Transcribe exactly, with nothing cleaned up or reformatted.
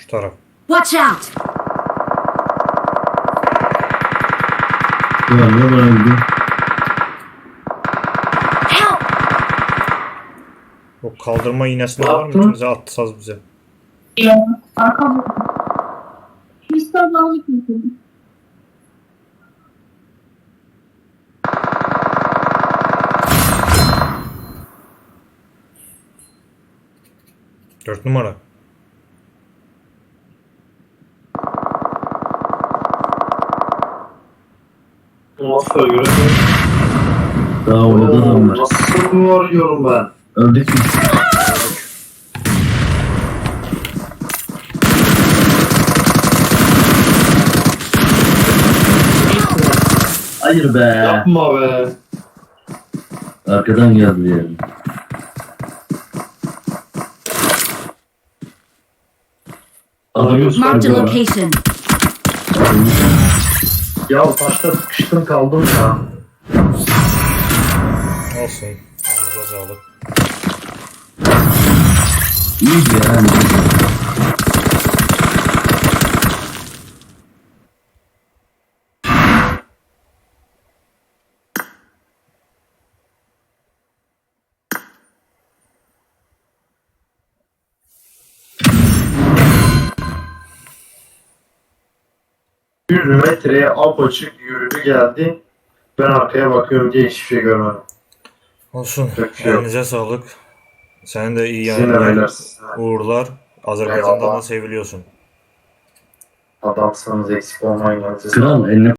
taraf. Watch out! Ya ne var öldü? Help! O kaldırma iğnesinde var mı? Yaptın. İkimize atsanız bize. Ya arkam. Kristal bağlı kimse. Dört numara. Nasıl göremiyorum. Daha orada adam var. Nasıl vuruyorum ben? Öldük mü? Hayır be. Yapma be. Arkadan geldi yani. Adamı Marked a sıkıyor. location. Ya taşta sıkıştım kaldım ya. Olsun. Elinize sağlık. İyi yani. yüz metreye apaçık yürüdü geldi. Ben arkaya bakıyorum diye hiçbir şey görmedim. Olsun. Yapacak bir şey yok. Elinize sağlık. Senin de iyi Sizin de yani. beyler sizin de. Uğurlar. Azerbaycan'dan da Eyvallah. seviliyorsun. Adamsınız, eksik olmayın. Kral eline